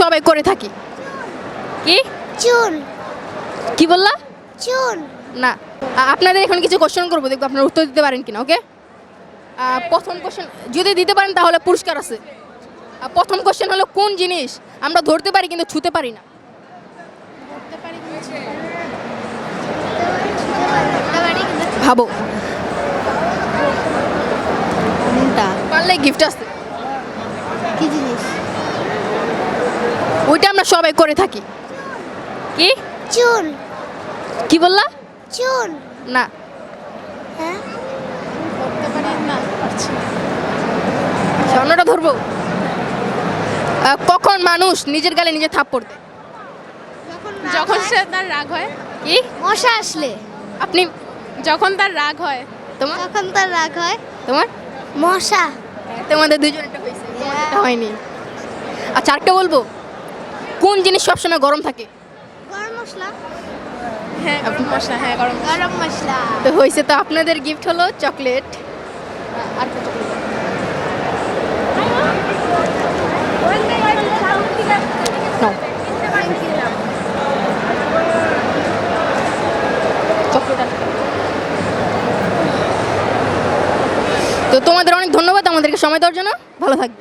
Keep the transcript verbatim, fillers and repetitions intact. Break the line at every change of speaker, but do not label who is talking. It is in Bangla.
সবাই করে থাকি। কি
চুন
কি বললা?
চুন
না, আ- আপনাদের এখন কিছু কোশ্চেন করবো, দেখবো আপনারা উত্তর দিতে পারেন কিনা। ওকে, প্রথম কোশ্চেন যদি দিতে পারেন তাহলে পুরস্কার আছে। আহ, প্রথম কোশ্চেন হলো কোন জিনিস আমরা ধরতে পারি কিন্তু ছুতে পারি না? ভাবো,
কোনটা
পারলে গিফট আছে।
কি জিনিস?
ওইটা আমরা সবাই করে থাকি। কি
চুন
কি বললা?
চুন
না,
হ্যাঁ
স্বর্ণটা ধরবো। আহ, কখন মানুষ নিজের গালে নিজে থাপ্পড় দেয়?
যখন সে তার রাগ হয়।
কি
মশা আসলে
আপনি?
যখন তার রাগ হয়।
তোমার
তখন তার রাগ হয়।
তোমার
মশা
তোমাদের দুজন একটা হয়েছে, তোমাদেরটা হয়নি। আচ্ছা, আরেকটা বলবো, কোন জিনিস সবসময় গরম থাকে?
গরম মশলা
হ্যাঁ গরম মশলা, হ্যাঁ গরম মশলা।
গরম মশলা
তো হয়েছে, তো আপনাদের গিফট হলো চকলেট। আর একটা chocolate। নাও। chocolate আর- তো তোমাদের অনেক ধন্যবাদ আমাদেরকে সময় দেওয়ার জন্য। ভালো থাকবে।